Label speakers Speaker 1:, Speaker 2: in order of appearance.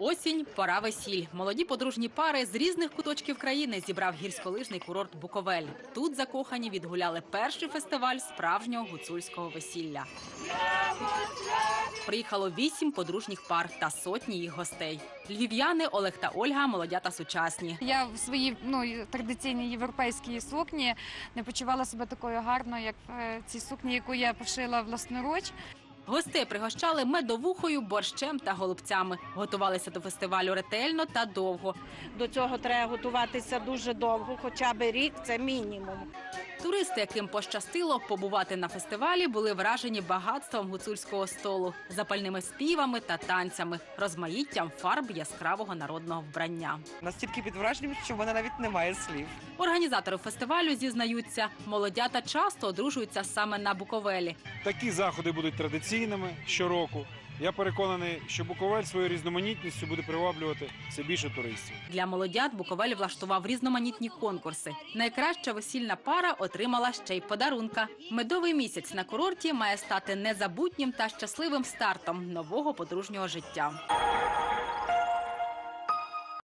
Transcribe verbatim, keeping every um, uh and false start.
Speaker 1: Осінь – пора весіль. Молоді подружні пари з різних куточків країни зібрав гірськолижний курорт Буковель. Тут закохані відгуляли перший фестиваль справжнього гуцульського весілля. Приїхало вісім подружніх пар та сотні їх гостей. Львів'яни Олег та Ольга – молодята сучасні.
Speaker 2: Я в своїй ну, традиційній європейській сукні не почувала себе такою гарною, як в цій сукні, яку я пошила власноруч.
Speaker 1: Гостей пригощали медовухою, борщем та голубцями. Готувалися до фестивалю ретельно та довго.
Speaker 3: До цього треба готуватися дуже довго, хоча б рік – це мінімум.
Speaker 1: Туристи, яким пощастило побувати на фестивалі, були вражені багатством гуцульського столу, запальними співами та танцями, розмаїттям фарб яскравого народного вбрання.
Speaker 4: Настільки під враженням, що в мене навіть немає слів.
Speaker 1: Організатори фестивалю зізнаються, молодята часто одружуються саме на Буковелі.
Speaker 5: Такі заходи будуть традиційними щороку. Я переконаний, що Буковель своєю різноманітністю буде приваблювати все більше туристів.
Speaker 1: Для молодят Буковель влаштував різноманітні конкурси. Найкраща весільна пара отримала ще й подарунка. Медовий місяць на курорті має стати незабутнім та щасливим стартом нового подружнього життя.